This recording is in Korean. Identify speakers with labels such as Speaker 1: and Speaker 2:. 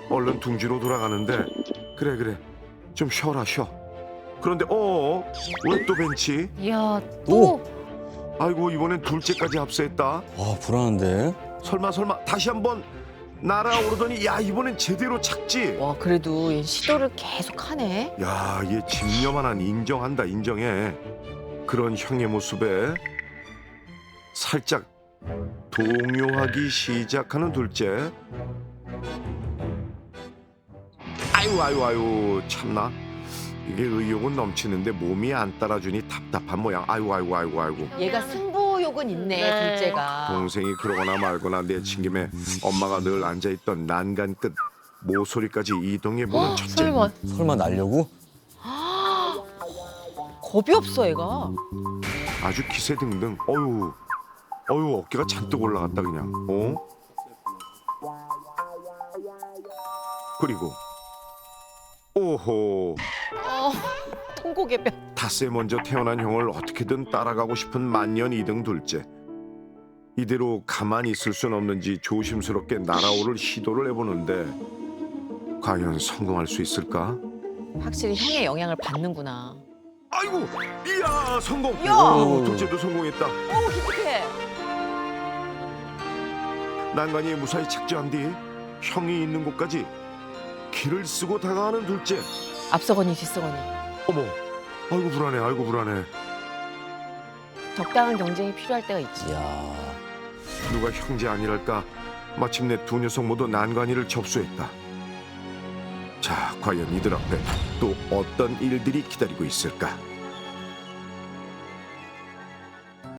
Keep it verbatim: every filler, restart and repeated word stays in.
Speaker 1: 얼른 둥지로 돌아가는데 그래 그래 좀 쉬어라 쉬어. 그런데 어어 왜 또 벤치?
Speaker 2: 이야 또
Speaker 1: 아이고 이번엔 둘째까지 합세했다.
Speaker 3: 아 불안한데.
Speaker 1: 설마 설마 다시 한번 날아오르더니 야 이번엔 제대로 착지.
Speaker 2: 와 그래도 얘 시도를 계속 하네.
Speaker 1: 야, 얘 집념하나 인정한다 인정해. 그런 형의 모습에 살짝 동요하기 시작하는 둘째. 아유 아유 아유 참나. 이게 의욕은 넘치는데 몸이 안 따라주니 답답한 모양. 아이고 아이고 아이고 아이고.
Speaker 2: 얘가 승부욕은 있네
Speaker 4: 네.
Speaker 2: 둘째가.
Speaker 1: 동생이 그러거나 말거나 내친 김에 엄마가 늘 앉아있던 난간 끝 모서리까지 이동해보는 첫째.
Speaker 4: 설마.
Speaker 3: 설마 날려고?
Speaker 2: 겁이 없어 얘가.
Speaker 1: 아주 기세 등등. 어유, 어유 어깨가 잔뜩 올라갔다 그냥. 어? 그리고 오호
Speaker 2: 어, 통곡의 뼈.
Speaker 1: 닷새 먼저 태어난 형을 어떻게든 따라가고 싶은 만년 이등 둘째. 이대로 가만히 있을 순 없는지 조심스럽게 날아오를 시도를 해보는데 과연 성공할 수 있을까?
Speaker 2: 확실히 형의 영향을 받는구나.
Speaker 1: 아이고, 이야 성공.
Speaker 2: 야!
Speaker 1: 오, 둘째도 성공했다.
Speaker 2: 오 기특해.
Speaker 1: 난간이 무사히 착지한 뒤 형이 있는 곳까지 길을 쓰고 다가가는 둘째.
Speaker 2: 앞서거니 뒤서거니.
Speaker 1: 어머, 아이고 불안해, 아이고 불안해.
Speaker 2: 적당한 경쟁이 필요할 때가 있지.
Speaker 3: 이야.
Speaker 1: 누가 형제 아니랄까 마침내 두 녀석 모두 난간이를 접수했다. 자, 과연 이들 앞에 또 어떤 일들이 기다리고 있을까?